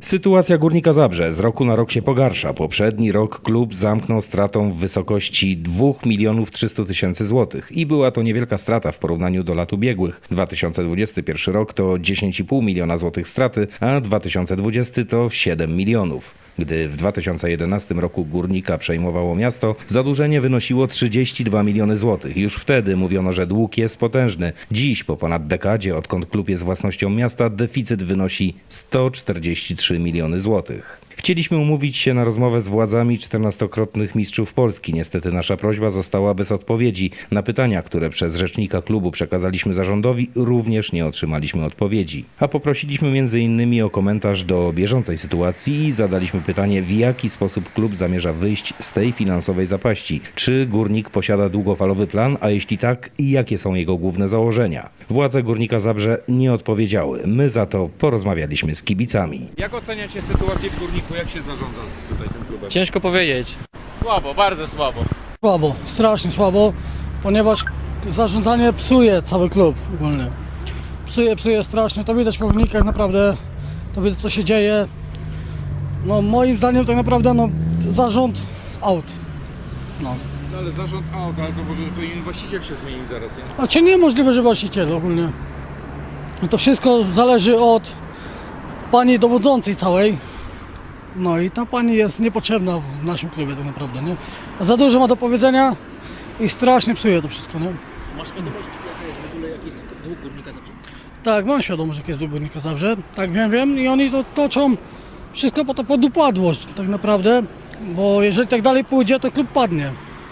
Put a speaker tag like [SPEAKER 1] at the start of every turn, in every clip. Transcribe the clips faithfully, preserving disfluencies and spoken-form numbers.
[SPEAKER 1] Sytuacja Górnika Zabrze z roku na rok się pogarsza. Poprzedni rok klub zamknął stratą w wysokości dwóch milionów trzystu tysięcy złotych i była to niewielka strata w porównaniu do lat ubiegłych. dwa tysiące dwudziesty pierwszy rok to dziesięć i pół miliona złotych straty, a dwa tysiące dwudziesty to siedem milionów. Gdy w dwa tysiące jedenastym roku Górnika przejmowało miasto, zadłużenie wynosiło trzydzieści dwa miliony złotych. Już wtedy mówiono, że dług jest potężny. Dziś, po ponad dekadzie, odkąd klub jest własnością miasta, deficyt wynosi sto czterdzieści trzy miliony złotych. Chcieliśmy umówić się na rozmowę z władzami czternastokrotnych mistrzów Polski. Niestety nasza prośba została bez odpowiedzi. Na pytania, które przez rzecznika klubu przekazaliśmy zarządowi, również nie otrzymaliśmy odpowiedzi. A poprosiliśmy między innymi o komentarz do bieżącej sytuacji i zadaliśmy pytanie, w jaki sposób klub zamierza wyjść z tej finansowej zapaści. Czy Górnik posiada długofalowy plan, a jeśli tak, jakie są jego główne założenia? Władze Górnika Zabrze nie odpowiedziały. My za to porozmawialiśmy z kibicami.
[SPEAKER 2] Jak oceniacie sytuację w Górniku? Jak się zarządza tutaj tym klubem?
[SPEAKER 3] Ciężko powiedzieć.
[SPEAKER 2] Słabo, bardzo słabo.
[SPEAKER 4] Słabo, strasznie słabo, ponieważ zarządzanie psuje cały klub ogólnie. Psuje, psuje strasznie, to widać po wynikach naprawdę, to widać co się dzieje. No moim zdaniem tak naprawdę no zarząd out. No.
[SPEAKER 2] No ale zarząd out, ale to może powinien właściciel się zmienić zaraz, nie?
[SPEAKER 4] A czy niemożliwe, że właściciel ogólnie. No to wszystko zależy od pani dowodzącej całej. No i ta pani jest niepotrzebna w naszym klubie tak naprawdę, nie? Za dużo ma do powiedzenia i strasznie psuje to wszystko, nie?
[SPEAKER 5] Masz świadomość, jaka jest w ogóle jakiś dług Górnika Zabrze?
[SPEAKER 4] Tak, mam świadomość, jaki jest dług Górnika Zabrze, tak wiem, wiem i oni to toczą wszystko po to pod upadłość tak naprawdę, bo jeżeli tak dalej pójdzie, to klub padnie.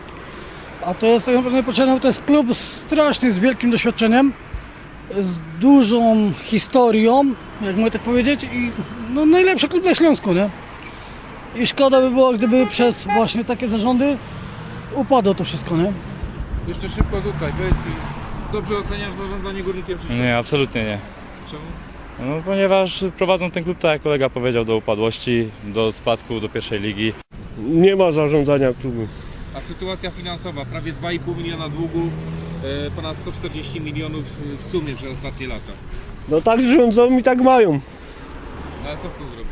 [SPEAKER 4] A to jest tak naprawdę niepotrzebne, bo to jest klub strasznie z wielkim doświadczeniem, z dużą historią, jak mogę tak powiedzieć, i no, najlepszy klub na Śląsku, nie? I szkoda by było, gdyby przez właśnie takie zarządy upadło to wszystko, nie?
[SPEAKER 2] Jeszcze szybko tutaj, powiedz mi, dobrze oceniasz zarządzanie Górnikiem czy
[SPEAKER 3] Nie, absolutnie nie.
[SPEAKER 2] czemu?
[SPEAKER 3] No, ponieważ prowadzą ten klub, tak jak kolega powiedział, do upadłości, do spadku do pierwszej ligi.
[SPEAKER 6] Nie ma zarządzania klubu.
[SPEAKER 2] A sytuacja finansowa, prawie dwa i pół miliona długu, e, ponad sto czterdzieści milionów w sumie przez ostatnie lata.
[SPEAKER 6] No tak rządzą i tak mają.
[SPEAKER 2] No ale co z tym zrobić?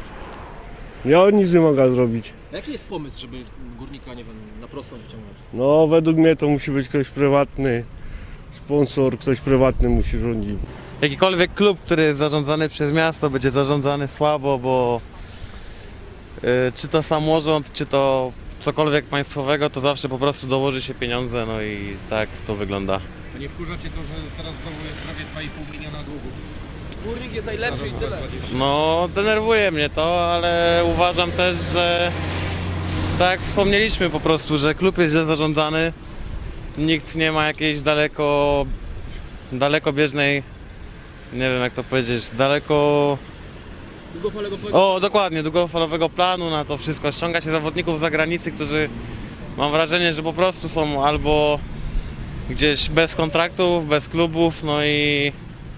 [SPEAKER 6] Ja nic nie mogę zrobić.
[SPEAKER 5] A jaki jest pomysł, żeby Górnika, nie wiem, na prostą wyciągnąć?
[SPEAKER 6] No według mnie to musi być ktoś prywatny, sponsor, ktoś prywatny musi rządzić.
[SPEAKER 7] Jakikolwiek klub, który jest zarządzany przez miasto, będzie zarządzany słabo, bo yy, czy to samorząd, czy to cokolwiek państwowego, to zawsze po prostu dołoży się pieniądze, no i tak to wygląda.
[SPEAKER 2] A nie wkurzacie to, że teraz znowu jest prawie dwa i pół miliona długu?
[SPEAKER 5] Górnik jest najlepszy i tyle.
[SPEAKER 7] No denerwuje mnie to, ale uważam też, że tak jak wspomnieliśmy po prostu, że klub jest źle zarządzany, nikt nie ma jakiejś daleko, dalekobieżnej, nie wiem jak to powiedzieć, daleko...
[SPEAKER 5] Długofalego
[SPEAKER 7] O, dokładnie, długofalowego planu na to wszystko. Ściąga się zawodników z zagranicy, którzy mam wrażenie, że po prostu są albo gdzieś bez kontraktów, bez klubów, no i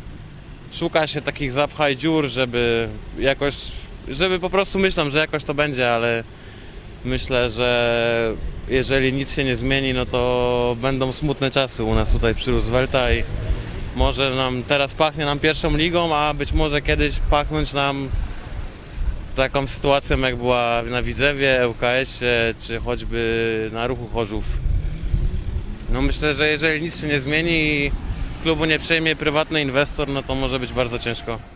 [SPEAKER 7] szuka się takich zapchaj dziur, żeby jakoś, żeby po prostu myślą, że jakoś to będzie, ale myślę, że jeżeli nic się nie zmieni, no to będą smutne czasy u nas tutaj przy Roosevelta i może nam teraz pachnie nam pierwszą ligą, a być może kiedyś pachnąć nam taką sytuacją, jak była na Widzewie, L K S-ie, czy choćby na Ruchu Chorzów. No myślę, że jeżeli nic się nie zmieni i klubu nie przejmie prywatny inwestor, no to może być bardzo ciężko.